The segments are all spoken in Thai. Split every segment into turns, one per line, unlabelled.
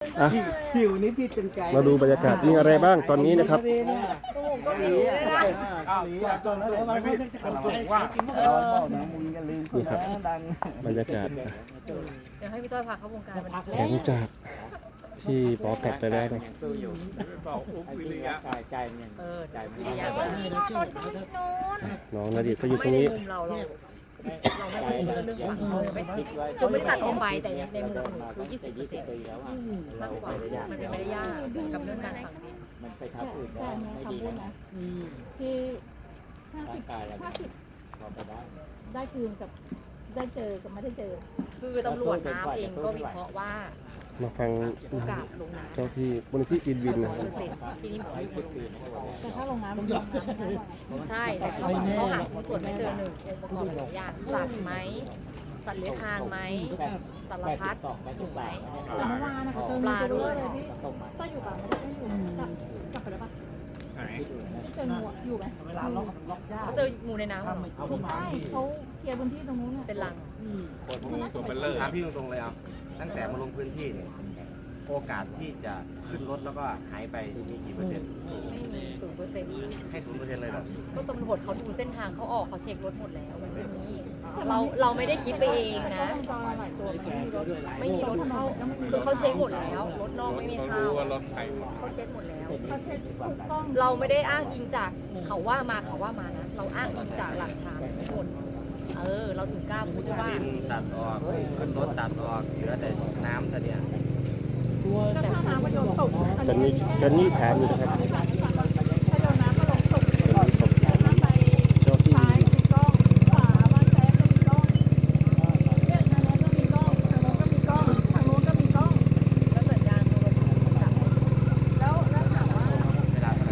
อ่ะ
ผิวนี่ผิดเป็นไกด์
มาดูบรรยากาศมีอะไรบ้างตอนนี้นะครับ นี่ครับบรรยากาศ
เดี๋ยวให้พี่ต้อยพาเข้าวงการมัน
หลังจากที่ปอกลับไปแล้วนะ
เออใจไม่ได้ยากมีรถชน
น้องนาดีก็อยู่ตร
ไม่
ง
ใน
นี้
มุมเราไม่ได้เรื่องฝั่งเขาคือไม่ได้ตัดออกไปแต่ในมุมของหนูคือ20%มากกว่ามันเป็นไม่ได้ยากกับเรื่องการสั่ง
มันไปทำอื่นได้ไม่ดีนะ
ที่
ร่างกายเราพอไปได้
ได้คืนกับได้เจอกับไม่ได้เจอ
คือตำรวจน้ำเองก็วิเคราะห์ว่า
มาฟัง
โอกาสลงน้ำ
เจ้าที่บนที่อินวินนะ
ทีนี้หมออยู่
แต่ถ้าลงน้ำมันลงน้ำไม่ได้
ใช่แต่เขาหาตรวจไม่เจอหนึ่งองค์ประกอบหลายอย่างสัตว์ไหมสัตว์เลื้อยคลานไหมสารพัดอยู่ไหม
แต่เมื่อวานนะคะเจอ
ปลาด้วย
เลยพี่ก็อยู่ป่ะไม่ได้อยู่กลับไปแล้วป่ะเจองูอยู่ไหม
เวลาล็อกยาก
เขาเจองูในน้ำเหรอ
ไม่ใช่เขาเคลียร์พื้นที่ตรงนู้น
เป็นรัง
ตัวเป็นเลิศถามพี่ตรงๆเลยครับตั้งแต่มาลงพื้นที่เนี่ยโอกาสที่จะขึ้นรถแล้วก็หายไปมีกี่เปอร์เซ็นต์
ไม่มี0%
ให้0%เลยเหรอ
ก็ตำรวจเขาดูเส้นทางเขาออกเขาเช็ครถหมดแล้วมันไม่มีเราไม่ได้คิดไปเองนะ
จอยหลายตัว
ไม่มีรถเข้าคือเขาเช็คหมดแล้วรถนอกไม่มีเข้าเขาเช็คหมดแล้ว
เขาเช็คถูกต้อง
เราไม่ได้อ้างอิงจากเขาว่ามานะเราอ้างอิงจากหลักฐานทุกคนเราถึงกล้าพูดว่า
ดินตัดออกขึ้นรถตัดออกเหลือแต่น้ำเท่านี้
ก็ถ้าน้ำมันโดนตก
จันนี่ถามอยู่นะครับ
ถ้าโดนน้ำก็ลงตกก่อนถ้าไป
เจ้าที่
ซ้ายมีกล้องขวาบ้านแท้ก็มีกล้องเนี่ยทางโน้นก็มีกล้องทางโน้นก็มีกล้องทางโน้นก็มีกล้อง
แล้วสัญญาณโทรศัพท์จับ
แล้วถามว่า
เวลาเท่าไหร่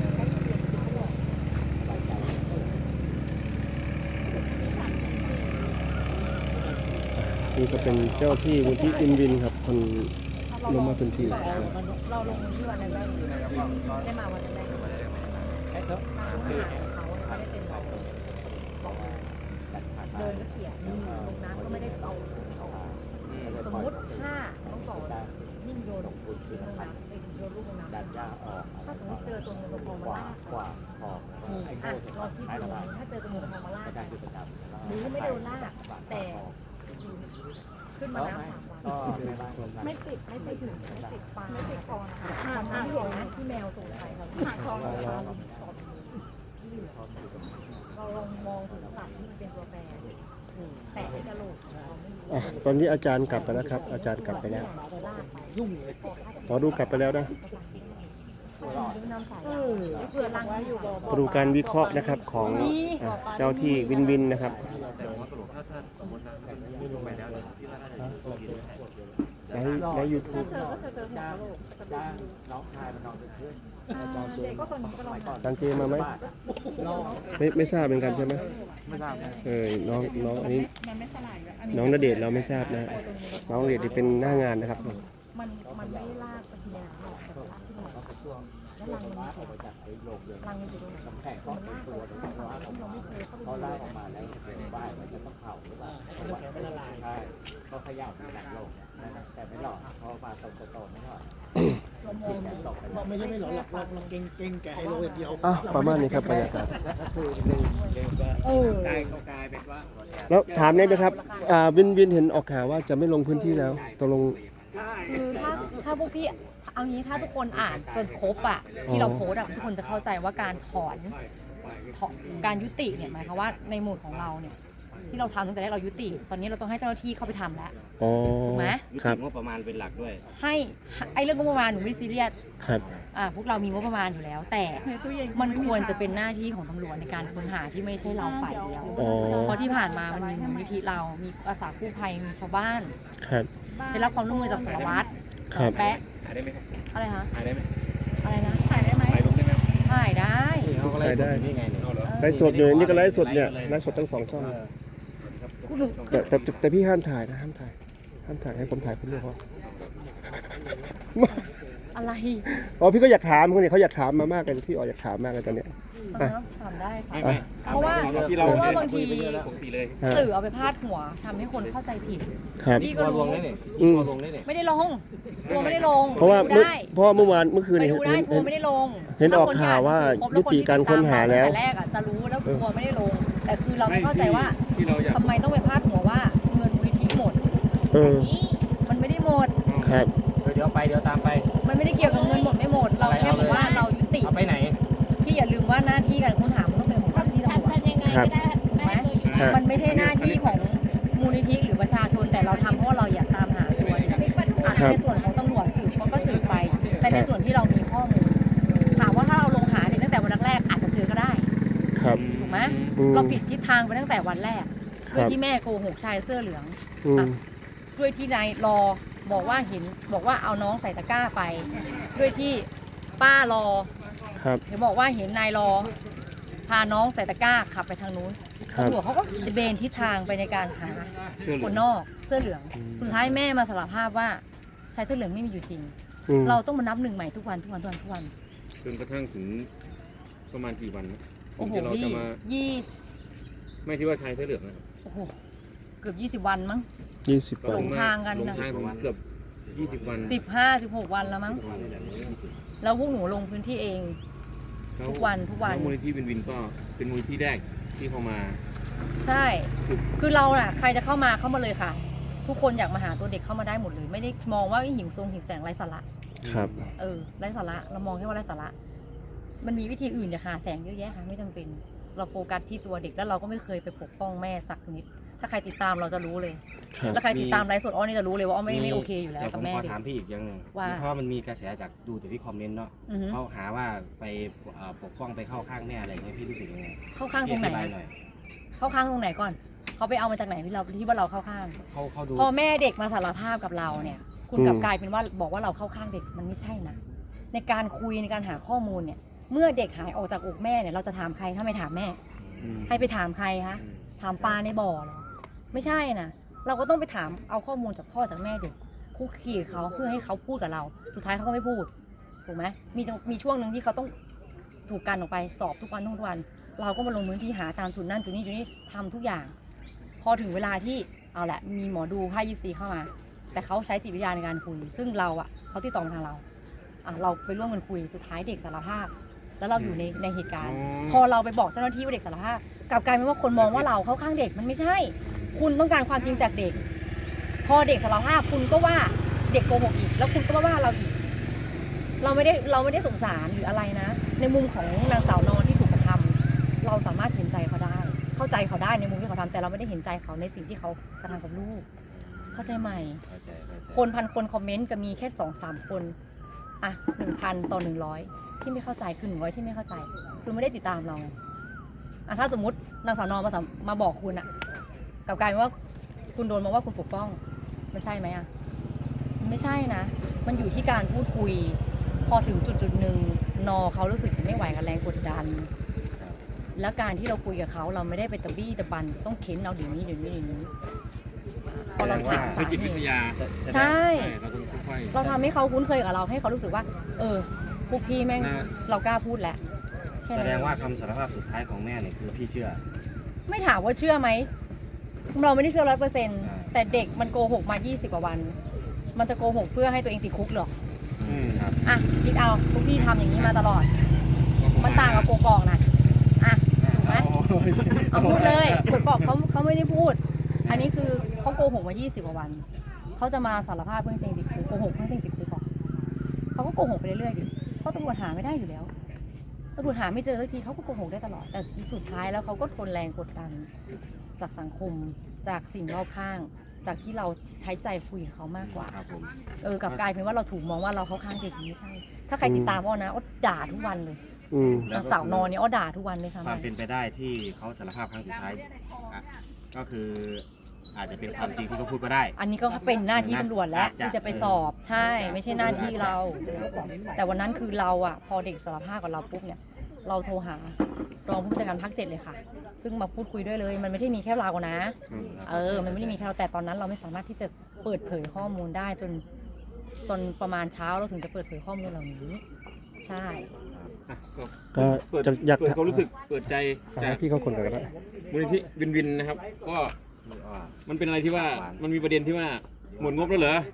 นี่ก็เป็นเจ้าที่มูลที่อินวินครับคนลงมาพื้นที่
เราลงที่วันนั้นได้มาวันนั้นได้เขาไม่ได้เป็นเราเดินก็เขี่ยลงน้ำก็ไม่ได้เอาสมมติถ้าต้องต่อยิ่งโยนลงน้ำไปโยนลูกลงน้ำถ้าสมมติเจอตัวเงินตัวทองมาลาก
กว่าพอไอ้โก้
เราคิดดูถ้าเจอตัวเงินตัวทองมาลากหรือไม่โดนลากแต่ขึ้นมาน้ำ3 วัน
ก็ไม่บ้าน
ไม่ติดไม่ไปถึงไม่ติด
ปลา
ไม่ติดคอนะคะ
ที่เห็นนะที่แมวส่งไปครับ
หาคอนะคะ
เราลองมองถึงสัตว์ที่มันเป็นตัวแปรแต่ไอ้กระโหลกเราไม่รู้
อ่ะตอนนี้อาจารย์กลับไปแล้วครับ อาจารย์กลับไปแล้ว
ลากไป
หมอดูกลับไปแล้วนะ
เพื่อลังอยู่บ่
มาดูการวิเคราะห์นะครับของเจ้าที่วินวินนะครับ
แต่หัวกระโหลกถ้าสมมตินะไม่ลงไปแล้วเนี่ยพี่ว่าน่าจะกินได้
ในยูทูบ
เจอก็เจอหัวกะโหลก
จ้างน้องชายมันนอนเป็นเพื่อน
เด็กก็คนนี้ก็ลอง
ตังเจมาไหมไม่ทราบเป็นกันใช่ไหมน้องอันนี้
มันไม่สลายอันนี้
น้องณเดชน์เราไม่ทราบนะ น้องณเดชน์ที่เป็นหน้างานนะครับ
มันไม่ได้ลากไปทีละหรอกแต่ลากขึ้นมาแล้วลังมัน
ว่าออกมาจากไอ้โรงเรียน
ลังมันอยู่ตรงไหน
กำแพงก็เป็นตัวเลยเพราะว่าเขาไล่ออกมาแล้วเป็นบ้านมันจะต้องเผาหรือเปล่าใช่ก็ขยับหลังโลกแต่ไม่หลอกเพราะมาตรงโตไม่หลอก
บอกไม่ใช่ไม่หรอกเราเก่งแกไฮโลอย่างเดียว
อ่ะประมาณนี้ครับบรรยากาศ
ถ้าคือเร็วก็ได้ก็กลายเป็นว่า
แล้วถามได้ไหมครับวินเห็นออกข่าวว่าจะไม่ลงพื้นที่แล้วตกลง
คือถ้าพวกพี่เอางี้ถ้าทุกคนอ่านจนครบอ่ะที่เราโพสต์อ่ะทุกคนจะเข้าใจว่าการถอนการยุติเนี่ยหมายความว่าในหมวดของเราเนี่ยที่เราทำตั้งแต่แรกเรายุติ ตอนนี้เราต้องให้เจ้าหน้าที่เข้าไปทำแล้ว
อ๋อ
ถูกไหม
ครับ
งบประมาณเป็นหลักด้วย
ให้ไอ้เรื่องงบประมาณหนูไม่ได้ซีเรียส
ครับ
พวกเรามีงบประมาณอยู่แล้ว แต่มันควรจะเป็นหน้าที่ของตำรวจในการค้นหาที่ไม่ใช่เราฝ่ายเดียว
อ๋อ
เพราะที่ผ่านมามันมีมูลนิธิเรามีอาสากู้ภัยมีชาวบ้าน
ครับ
ได้รับความร่วมมือจากสารวัตร
ครับ
แปะ
ถ่ายได้ไหมครับ
อะไรคะ
ถ่ายได้ไหม
อะไรนะ
ถ่ายได้ไหม
ถ่ายลงได้ไหม
ถ่ายได้
เขาก็ไล่สดอยู่นี่ไงเนี่ย
ไลฟ์สดอยู่นี่ก็ไลฟ์สดเนี่ยไลฟ์สดทั้ง2 ช่องแต่พี่ห้ามถ่ายนะห้ามถ่ายให้ผมถ่ายคนเดียวพอ
อะไร
อ๋อพี่ก็อยากถามคนนี้เขาอยากถามมามากเลยพี่อ๋ออยากถามมากเลยตอนเนี้ย
ถามได้ค่ะ
ไม่
เพราะว่าบางที
ปกติเลย
สื่อเอาไปพาดหัวทำให้คนเข้าใจผิด
ครับ
พี่
ทั
ก็
วร์ล
รู้
งได้เนี่ยทัวร์ลงได้เนี่ย
ไม่ได้ลงทัวร์ไม่ได้ลง
เพราะว่า
ไปดูได้
เมื่อวานเมื่อคืน
ไป
นี้
ดูได้ทัว
เห็น
ร์ไม่ได้ลง
เห็นออกข่าวว่ายุติการค้นหาแล้ว
แต่แรกอ่ะจะรู้แล้วทัวร์ไม่ได้ลง แต่คือเราไม่เข้าใจว่า
ที่เราอยาก
ทำไมต้องไปพาดหัวว่าเงินมูลนิธิหมด
เออ
มันไม่ได้หมด
ครับ
เดี๋ยวไปเดี๋ยวตามไป
มันไม่ได้เกี่ยวกับเงินหมดไม่หมด เราแค่บอกว่าเรายุติ
เอาไปไหน
ที่อย่าลืมว่าหน้าที่การค้นหามันต้องเป็นของเจ้าหน้าที่ตำรวจ
ทำยังไงก็ได้ไม่ให้เลย
ครับ
มันไม่ใช่หน้าที่ของมูลนิธิหรือประชาชนแต่เราทำเพราะว่าเราอยากตามหาตัวเนี่ยในส่วนของตำรวจสืบเขาก็สืบไป แต่ในส่วนที่เรามีข้อมูลถามว่าถ้าเราลงหาเนี่ยตั้งแต่วันแรกๆอาจจะเจอก็ได้
ครับ
ถูกไหม
อืม
เราผิดทิศทางไปตั้งแต่วันแรก
ครับ
ด้วยที่แม่โกหกชายเสื้อเหลือง
อืม
ด้วยที่นายรอบอกว่าบอกว่าเอาน้องใส่ตะกร้าไป ด้วยที่ป้ารอ
ครับ
เห็นบอกว่าเห็นนายรอพาน้องใส่ตะกร้าขับไปทางนู้น
ครับ
ตำรวจเขาก็เบนทิศทางไปในการหาคนนอกเสื้อเหลือง สุดท้ายแม่มาสารภาพว่าชายเสื้อเหลืองไม่มีอยู่จริง
อืม
เราต้องมานับหนึ่งใหม่ทุกวันทุกวันทุกวันทุกวัน
จนกระทั่งถึงประมาณกี่วันนะถึ
โอ้
ง
โห
ที่เราจะ
พี่
มา
ยี่
ไม่ที่ว่าชายเสื้อเหลืองนะครับ
โอ้โหเกือบ20 วันมั้ง
20
ก็
วั
หล
น
งทางกัน
ลง
นะ
ทางถึงเกือบ20 วัน
15-16 วันแล้วมั้งแล้วพวกหนูลงพื้นที่เอง
แล้ว
ทุกวันทุกวัน
แล้วมูลนิธิวินวินก็เป็นมูลนิธิแรกที่เข้ามา
ใช่ คือเราน่ะใครจะเข้ามาเลยค่ะ ทุกคนอยากมาหาตัวเด็กเข้ามาได้หมดเลย ไม่ได้มองว่าหิวทรงหิวแสงไร้สาระ
ครับ
ไร้สาระเรามองแค่ว่าไร้สาระมันมีวิธีอื่นอย่าหาแสงเยอะแยะค่ะไม่จำเป็น เราโฟกัสที่ตัวเด็กแล้วเราก็ไม่เคยไปปกป้องแม่สักนิด ถ้าใครติดตามเราจะรู้เลย
ครับ
แล้วใครติดตามไลฟ์สดอ้อนี่จะรู้เลยว่าอ้อไม่โอเคอยู่แล้ว
แต่ผ
กับ
ม
แม่
ขอ
เด็ก
ถามพี่อีกอย่างหนึ่ง
ว่า
เพราะมันมีกระแสจากดูจากที่คอมเมนต์เนาะ
อือฮึ
เขาหาว่าไปปกป้องไปเข้าข้างแม่อะไรอย่างเงี้ยพี่รู้สึกยังไง
เข้าข้างตรงไหน
พี่อธิบาย
อะ
หน่อย
เข้าข้างตรงไหนก่อน เขาไปเอามาจากไหนที่ว่าเราเข้าข้าง
เขาดู
พอแม่เด็กมาสารภาพกับเราเนี่ย คุณ
อืม
กลับกลายเป็นว่าบอกว่าเราเข้าข้างเด็กมันไม่ใช่นะ ในการคุยในการหาข้อมูลเนี่ย เมื่อเด็กหายออกจากอกแม่เนี่ยเราจะถามใครถ้าไม่ถามแม่ ให้ไปถามใครคะถามปลาในบ่อเหรอไม่ใช่นะเราก็ต้องไปถามเอาข้อมูลจากพ่อจากแม่เด็กคุกคีกับเขาเพื่อให้เขาพูดกับเรา สุดท้ายเขาก็ไม่พูดถูกไหมมีช่วงหนึ่งที่เขาต้องถูกกันออกไปสอบทุกวันทุกวัน เราก็มาลงพื้นที่หาตามจุดนั่นจุดนี้จุดนี้ทำทุกอย่าง พอถึงเวลาที่เอาแหละมีหมอดูไพ่ยิปซีเข้ามา แต่เขาใช้จิตวิทยาในการคุย ซึ่งเราอ่ะเขาติดต่อมาทางเราเราไปร่วมกันคุยสุดท้ายเด็กสารภาพ แล้วเราอยู่ในเหตุการณ์ พอเราไปบอกเจ้าหน้าที่ว่าเด็กสารภาพกลับกลายเป็นว่าคนมองว่าเราเข้าข้างเด็กมันไม่ใช่ คุณต้องการความจริงจากเด็ก พอเด็กสารภาพคุณก็ว่าเด็กโกหกอีก แล้วคุณก็ว่าเราอีก เราไม่ได้สงสารหรืออะไรนะ ในมุมของนางสาวนอนที่ถูกกระทำเราสามารถเห็นใจเขาได้ เข้าใจเขาได้ในมุมที่เขาทำแต่เราไม่ได้เห็นใจเขาในสิ่งที่เขากระทำกับลูก เข้าใจไหม
เข้าใจ
คนพันคนคอมเมนต์ก็มีแค่2-3 คนอ่ะ1,000 ต่อ 100ที่ไม่เข้าใจคือ100ที่ไม่เข้าใจคือไม่ได้ติดตามเราไงถ้าสมมตินางสาวนอนมาบอกคุณอะกลับกลายเป็นว่าคุณโดนมาว่าคุณปกป้องมันใช่ไหมอะมันไม่ใช่นะ มันอยู่ที่การพูดคุย พอถึงจุดหนึ่งนอเขารู้สึกไม่ไหวกับแรงกดดัน แล้วการที่เราคุยกับเขาเราไม่ได้ไปตะบี้ตะบันต้องเค้นเอาเดี๋ยวนี้พอเราถาม
ใช้จิตวิทยา
ใช่
เราต้องค่อยๆ
เราทำให้เขาคุ้นเคยกับเราให้เขารู้สึกว่า พวกพี่แม่ง
น่า
เรากล้าพูดแล้วค่
แส
นั้น
ดงว่าคำสารภาพสุดท้ายของแม่เนี่ยคือพี่เชื่อ
ไม่ถามว่าเชื่อไหมเราไม่ได้เชื่อ100%แต่เด็กมันโกหกมา20 กว่าวัน มันจะโกหกเพื่อให้ตัวเองติดคุกหรอ
ครับ
อ่ะคิดเอาพวกพี่ทำอย่างนี้มาตลอด มันต่างกับโกกอกนะอ่ะถูกไหมเอาพูดเลยโกกอกเขาไม่ได้พูด อันนี้คือเขาโกหกมา20 กว่าวันเขาจะมาสารภาพเพื่อให้ตัวเองติดคุกโกหกเพื่อให้ตัวเองติดคุกก่อนเขาก็โกหกไปเรื่อยๆดิเพราะตำรวจหาไม่ได้อยู่แล้วตำรวจหาไม่เจอสักทีเขาก็โกหกได้ตลอดแต่สุดท้ายแล้วเขาก็ทนแรงกดดันจากสังคมจากสิ่งรอบข้าง จากที่เราใช้ใจคุยกับเขามากกว่า
ครับผม
กลับกลายเป็นว่าเราถูกมองว่าเราเข้าข้างเด็กไม่ใช่ ถ้าใครติดตามอ้อนะอ้อด่าทุกวันเลย
อืม
นางสาวนอนเนี่ยอ้อด่าทุกวันเลยค่ะ
ความเป็นไปได้ที่เขาสารภาพครั้งสุดท้ายก็คืออาจจะเป็นความจริงที่เขาพูดก็ได้
อันนี้ก็เป็นหน้าที่ตำรวจแล้ว
อาจจะ
ที่จะไปสอบใช่ ไม่ใช่หน้าที่เรา แต่วันนั้นคือเราอ่ะพอเด็กสารภาพกับเราปุ๊บเนี่ย เราโทรหารองผู้จัดการภาค 7เลยค่ะ ซึ่งมาพูดคุยด้วยเลย มันไม่ใช่มีแค่เรานะ มันไม่ได้มีแค่เราแต่ตอนนั้นเราไม่สามารถที่จะเปิดเผยข้อมูลได้จนประมาณเช้าเราถึงจะเปิดเผยข้อมูลเหล่านี้ ใช่
อ่ะ
ก็
เปิด
อยาก
เปิดความรู้สึกเปิดใจจาก
ให้พี่เขาคนกันก็ได้
มูลนิธิวินวินนะครับ ก็มันเป็นอะไรที่ว่ามันมีประเด็นที่ว่าหมดงบแล้วเหรอ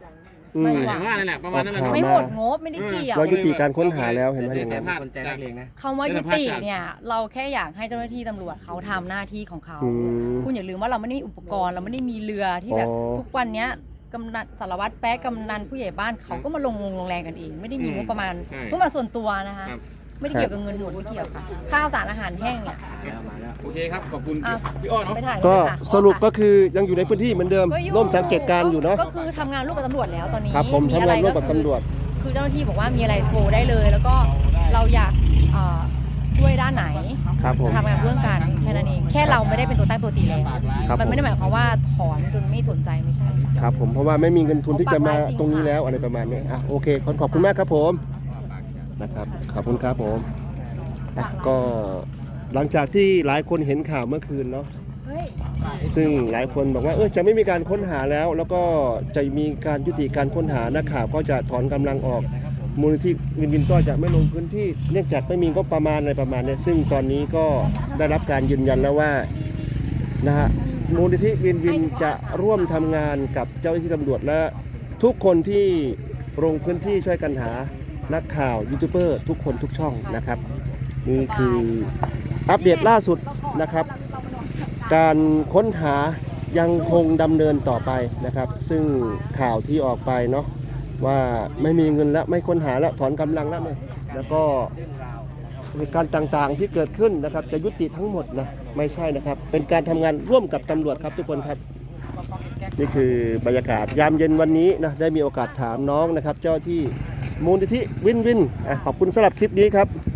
อืม
ไม่
อ
หวั
ย่าง งว่านั่นแหละประมาณนั้นแหละ
ข่าว
ไม่หมดงบไม่ได้เกี่ยว
เรายุติการค้นหาแล้วเห็นไหมอย่าง
แต่
นั้น
มีคนใจนักเลงนะ
คำว่ายุติเนี่ยเราแค่อยากให้เจ้าหน้าที่ตำรวจเขาทำหน้าที่ของเขา
อืม
คุณอย่าลืมว่าเราไม่ได้มีอุปกรณ์เราไม่ได้มีเรือที่แบบ
อ๋อ
ทุกวันเนี้ยกำนันสารวัตรแป๊ะกำนันผู้ใหญ่บ้านเขาก็มาลงแรงกันเอง ไม่ได้มีงบประมาณ
ใช่
งบประมาณส่วนตัวนะคะ
ครับ
ไม่ได้เกี่ยวกับเงินหมดไม่เกี่ยวค่ะข้าวสารอาหารแห้งเนี่ย
โอเคครับ ขอบคุณ
อ่ะ
พี่อ้อเนาะ
ไปถ่าย
ก็
เลยค่ะ
สรุปก็คือยังอยู่ในพื้นที่เหมือนเดิม
ก็อยู่
ร่วมสังเกตการณ์อยู่เนาะ
ก็คือทำงานร่วมกับตำรวจแล้วตอนนี้
ครับผม
มี
ทำ
อะไร
งานร่วมกับ
คือ
ตำรวจ
คือเจ้าหน้าที่บอกว่ามีอะไรโทรได้เลย แล้วก็เราอยากช่วยด้านไหน
ครับผม
ทำงานร่วมกันแค่นั้นเองแค่เราไม่ได้เป็นตัวตั้งตัวตีแล้ว
ครับ
มัน
ผม
ไม่ได้หมายความว่าถอนจนไม่สนใจไม่ใช่
ครับผมเพราะว่าไม่มีเงินทุนที่จะมาตรงนี้แล้วอะไรประมาณนี้อ่ะโอเคขอบคุณมากครับผมนะครับขอบคุณครับผมอ่ะก็หลังจากที่หลายคนเห็นข่าวเมื่อคืนเนาะ
เฮ้ย
ซึ่งหลายคนบอกว่าจะไม่มีการค้นหาแล้ว แล้วก็จะมีการยุติการค้นหานักข่าวก็จะถอนกำลังออกมูลนิธิวินก็จะไม่ลงพื้นที่เนื่องจากไม่มีงบประมาณอะไรประมาณนี้ซึ่งตอนนี้ก็ได้รับการยืนยันแล้วว่านะฮะมูลนิธิวินจะร่วมทำงานกับเจ้าหน้าที่ตำรวจและทุกคนที่ลงพื้นที่ช่วยกันหานักข่าวยูทูบเบอร์ทุกคนทุกช่องนะครับนี่คืออัปเดตล่าสุดนะครับ การค้นหายังคงดำเนินต่อไปนะครับ ซึ่งข่าวที่ออกไปเนาะว่าไม่มีเงินแล้วไม่ค้นหาแล้วถอนกำลังแล้วเนี่ยแล้วก็เหตุการณ์ต่างๆที่เกิดขึ้นนะครับ จะยุติทั้งหมดนะไม่ใช่นะครับ เป็นการทำงานร่วมกับตำรวจครับทุกคนครับ นี่คือบรรยากาศยามเย็นวันนี้นะได้มีโอกาสถามน้องนะครับ เจ้าที่มูลนิธิวินขอบคุณสำหรับคลิปนี้ครับ